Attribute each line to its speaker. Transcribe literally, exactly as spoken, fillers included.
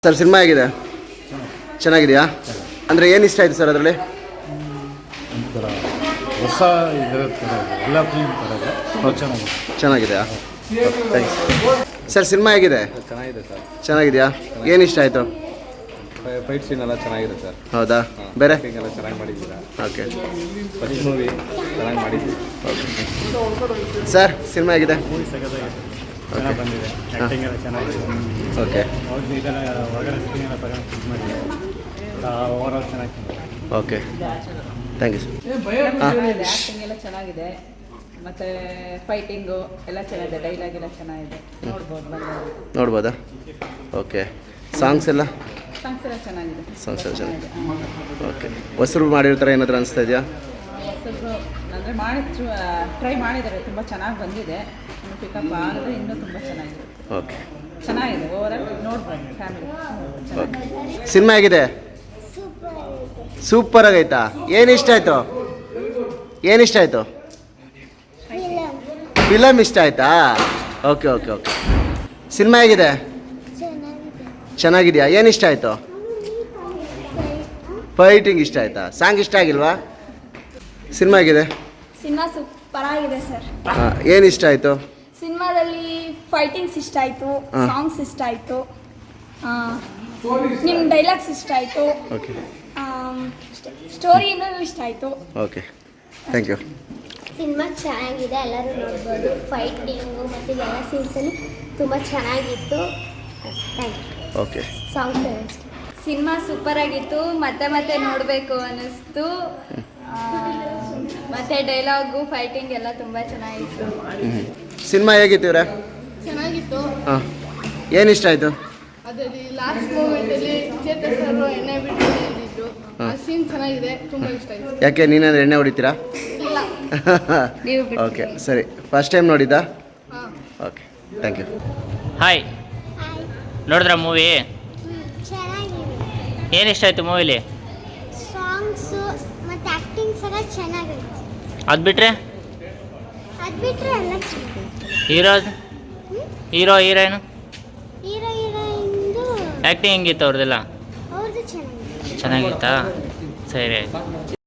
Speaker 1: Sir cinema ಹೇಗಿದೆ? ಚೆನ್ನಾಗಿದೆಯಾ? ಅಂದರೆ ಏನು ಇಷ್ಟ ಆಯಿತು ಸರ್ ಅದರಲ್ಲಿ?
Speaker 2: ಒಂಥರ ಹೊಸ ಇದರ ಥರ ಇದೆ, ಎಲ್ಲ ಫಿಲ್ಮ್ ಥರ ಇದೆ, ತುಂಬ ಚೆನ್ನಾಗಿದೆ.
Speaker 1: ಚೆನ್ನಾಗಿದೆಯಾ? ಥ್ಯಾಂಕ್ಸ್. ಸರ್ ಸಿನಿಮಾ ಹೇಗಿದೆ?
Speaker 3: ಚೆನ್ನಾಗಿದೆ ಸರ್.
Speaker 1: ಚೆನ್ನಾಗಿದೆಯಾ? ಏನು ಇಷ್ಟ ಆಯಿತು?
Speaker 3: ಫೈಟ್ ಸೀನ್ ಎಲ್ಲ ಚೆನ್ನಾಗಿದೆ ಸರ್.
Speaker 1: ಹೌದಾ? ಬೇರೆ
Speaker 3: ಎಲ್ಲ ಚೆನ್ನಾಗಿ ಮಾಡಿದ್ದೀರಾ.
Speaker 1: ಓಕೆ.
Speaker 3: ಫಸ್ಟ್ ಮೂವಿ ಚೆನ್ನಾಗಿ ಮಾಡಿದ್ದೀವಿ.
Speaker 1: ಸರ್ ಸಿನಿಮಾ ಹೇಗಿದೆ?
Speaker 2: ಮೂವಿ ಸಗದಾಗಿದೆ, ಚೆನ್ನಾಗಿ ಬಂದಿದೆ, ಆ್ಯಕ್ಟಿಂಗ್ ಎಲ್ಲ ಚೆನ್ನಾಗಿದೆ.
Speaker 1: ಓಕೆ
Speaker 2: ಅವ್ರದ್ದು ಇದೆಲ್ಲ ಹೊರಗಡೆ ಸ್ಕ್ರೀನ್ ಎಲ್ಲ ತಗೊಂಡು ಇದು ಮಾಡಿದೆ, ಓವರ್ ಆಲ್ ಚೆನ್ನಾಗಿದೆ.
Speaker 1: Okay thank you sir.
Speaker 4: Acting ಎಲ್ಲ ಚೆನ್ನಾಗಿದೆ, ಮತ್ತು ಫೈಟಿಂಗು ಎಲ್ಲ ಚೆನ್ನಾಗಿದೆ, ಡೈಲಾಗ್ ಎಲ್ಲ ಚೆನ್ನಾಗಿದೆ, ನೋಡ್ಬೋದು ಬಂದು.
Speaker 1: ನೋಡ್ಬೋದಾ? ಓಕೆ. ಸಾಂಗ್ಸ್ ಎಲ್ಲ?
Speaker 4: ಸಾಂಗ್ಸ್ ಎಲ್ಲ ಚೆನ್ನಾಗಿದೆ.
Speaker 1: ಸಾಂಗ್ಸ್ ಎಲ್ಲ ಚೆನ್ನಾಗಿದೆ. ಓಕೆ. ಹೊಸರು ಮಾಡಿರ್ತಾರೆ ಏನಾದರೂ ಅನಿಸ್ತಾ ಇದೆಯಾ?
Speaker 4: ಹೊಸಬ್ರು ಅಂದರೆ ಮಾಡಿ ಟ್ರೈ ಮಾಡಿದ್ದಾರೆ, ತುಂಬ ಚೆನ್ನಾಗಿ ಬಂದಿದೆ. ಇನ್ನು ಪಿಕಪ್ ಆದರೆ ಇನ್ನೂ ತುಂಬ ಚೆನ್ನಾಗಿದೆ.
Speaker 1: ಓಕೆ
Speaker 4: ಚೆನ್ನಾಗಿದೆ, ಓವರಾಲ್ ನೋಡ್ಬೋದು ಫ್ಯಾಮಿಲಿ.
Speaker 1: ಓಕೆ. ಸಿನಿಮಾ ಹೇಗಿದೆ? ಸೂಪರ್ ಆಗೈತಾ? ಏನು ಇಷ್ಟ ಆಯಿತು? ಏನು ಇಷ್ಟ ಆಯಿತು? ಫಿಲಮ್ ಇಷ್ಟ ಆಯ್ತಾ? Okay okay okay. ಸಿನಿಮಾ ಹೇಗಿದೆ? ಚೆನ್ನಾಗಿದೆಯಾ? ಏನು ಇಷ್ಟ ಆಯಿತು? ಫೈಟಿಂಗ್ ಇಷ್ಟ ಆಯ್ತಾ? ಸಾಂಗ್ ಇಷ್ಟ ಆಗಿಲ್ವಾ? ಸಿನಿಮಾ ಹೇಗಿದೆ?
Speaker 5: ಸಿನಿಮಾ ಸೂಪರ್ ಆಗಿದೆ ಸರ್.
Speaker 1: ಹಾಂ, ಏನು ಇಷ್ಟ ಆಯಿತು?
Speaker 5: ಸಿನಿಮಾದಲ್ಲಿ ಫೈಟಿಂಗ್ಸ್ ಇಷ್ಟ ಆಯಿತು,
Speaker 1: ಹಾ.
Speaker 5: ಸಾಂಗ್ಸ್ ಇಷ್ಟ ಆಯಿತು, ನಿಮ್ಮ ಡೈಲಾಗ್ಸ್ ಇಷ್ಟ ಆಯಿತು,
Speaker 1: ಓಕೆ
Speaker 5: ಸ್ಟೋರಿನೂ ಇಷ್ಟ ಆಯಿತು.
Speaker 1: Okay thank you.
Speaker 6: ಸಿನಿಮಾ ಚೆನ್ನಾಗಿದೆ, ಎಲ್ಲರೂ ನೋಡ್ಬೋದು. ಫೈಟಿಂಗು ಮತ್ತು ಎಲ್ಲ ಸೀನ್ಸಲ್ಲಿ ತುಂಬ ಚೆನ್ನಾಗಿತ್ತು. Thank you.
Speaker 1: Okay
Speaker 6: songs
Speaker 5: cinema super ಆಗಿತ್ತು, ಮತ್ತೆ ಮತ್ತೆ ನೋಡಬೇಕು ಅನ್ನಿಸ್ತು. ಮತ್ತು ಡೈಲಾಗು ಫೈಟಿಂಗ್ ಎಲ್ಲ ತುಂಬ ಚೆನ್ನಾಗಿತ್ತು.
Speaker 1: ಹ್ಞೂ. ಸಿನಿಮಾ ಹೇಗಿತ್ತು ಇವರೇ?
Speaker 7: ಚೆನ್ನಾಗಿತ್ತು.
Speaker 1: ಹಾಂ, ಏನು ಇಷ್ಟ ಆಯಿತು?
Speaker 7: ಅದರಲ್ಲಿ ಲಾಸ್ಟ್ ಮೂಮೆಂಟಲ್ಲಿ ಚೇತನ್ ಸರ್ ಎಣ್ಣೆ ಬಿಟ್ಟು ಇದ್ದಿದ್ದು ಆ ಸೀನ್ ಚೆನ್ನಾಗಿದೆ, ತುಂಬ ಇಷ್ಟ ಆಯಿತು.
Speaker 1: ಯಾಕೆ ನೀನಾದ್ರೆ ಎಣ್ಣೆ ಹೊಡಿತೀರಾ?
Speaker 7: ಇಲ್ಲ.
Speaker 1: ಓಕೆ ಸರಿ. ಫಸ್ಟ್ ಟೈಮ್ ನೋಡಿದ್ದಾ?
Speaker 7: ಹಾಂ.
Speaker 1: Okay thank you.
Speaker 8: ಹಾಯ್, ನೋಡಿದ್ರ ಮೂವಿ?
Speaker 6: ಚೆನ್ನಾಗಿದೆ.
Speaker 8: ಏನು ಇಷ್ಟ ಆಯಿತು ಮೂವಿಲಿ?
Speaker 6: ಸಾಂಗ್ಸು ಮತ್ತು ಆ್ಯಕ್ಟಿಂಗ್ಸ್ ಎಲ್ಲ ಚೆನ್ನಾಗೈತೆ.
Speaker 8: ಅದು ಬಿಟ್ಟರೆ
Speaker 6: ಅದು ಬಿಟ್ಟರೆ ಎಲ್ಲ ಚೆನ್ನಾಗಿದೆ.
Speaker 8: ಹೀರೋ ಹೀರೋ ಹೀರೋಯಿನು
Speaker 6: ಹೀರೋ ಹೀರೋಯಿಂದು
Speaker 8: ಆ್ಯಕ್ಟಿಂಗ್ ಹೆಂಗಿತ್ತು ಅವ್ರದ್ದೆಲ್ಲ?
Speaker 6: ಅವ್ರದ್ದು ಚೆನ್ನಾಗಿದೆ.
Speaker 8: ಚೆನ್ನಾಗಿತ್ತಾ? ಸರಿ ಆಯ್ತು.